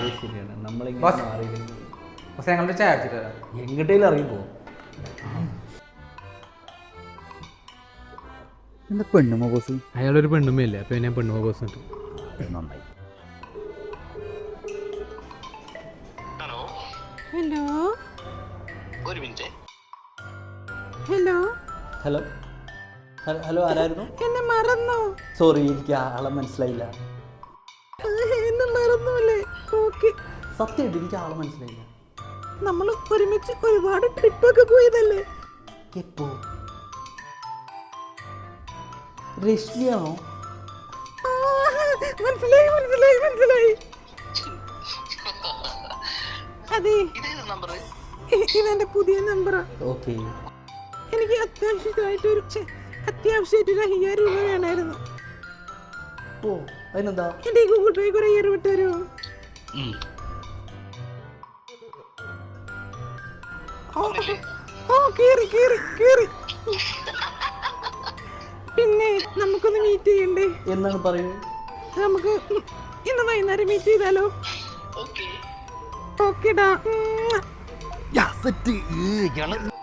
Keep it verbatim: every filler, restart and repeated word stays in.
ശരിയാണ് നമ്മളിങ്ങനെ മാറിയില്ലെങ്കിൽ പക്ഷെ ഞങ്ങളുടെ ചായ അടിച്ചിട്ട് എങ്ങോട്ടേലും അറിയുമ്പോ എന്താ പെണ്ണുമോ ബോസ്? അയാളൊരു പെണ്ണുമ്മയില്ലേ, അപ്പൊ ഞാൻ പെണ്ണുമ്മ ബോസ് ഉണ്ട്. നന്നായി. ഹലോ ഹലോ ഒരു മിനിറ്റ്. ഹലോ ഹലോ ഹലോ ആരായിരുന്നു? എന്നെ മറന്നോ? സോറി, എനിക്ക് ആളെ മനസ്സിലായില്ല. എന്നെ മറന്നൂല്ലേ? ഓക്കെ, സത്യമായിട്ട് എനിക്ക് ആളെ മനസ്സിലായില്ല. നമ്മൾ ഒരുമിച്ച് ഒരുപാട് ട്രിപ്പൊക്കെ പോയതല്ലേ? എപ്പോ? രശ്മിയാണോ? ആ, മനസ്സിലായി മനസ്സിലായി മനസ്സിലായി. അതെ, ഇതേത് നമ്പർ? ഇ- ഇതെന്റെ പുതിയ നമ്പറാ. ഓക്കെ. എനിക്ക് അത്യാവശ്യമായിട്ടൊരു ഛെ, അത്യാവശ്യമായിട്ടൊരു അയ്യായിരം രൂപ വേണമായിരുന്നു. ഓ, അതിനെന്താ? എന്റെ ഈ ഗൂഗിൾ പേ കുറെ അയ്യായിരം വിട്ട് തരുമോ? ഓ, ഓ കേറി കേറി കേറി. പിന്നെ നമുക്കൊന്ന് മീറ്റ് ചെയ്യണ്ടേ? എന്നാണ് പറയൂ. നമുക്ക് ഇന്ന് വൈകുന്നേരം മീറ്റ് ചെയ്താലോ? ഓക്കെ. ഓക്കെടാ. സെറ്റ്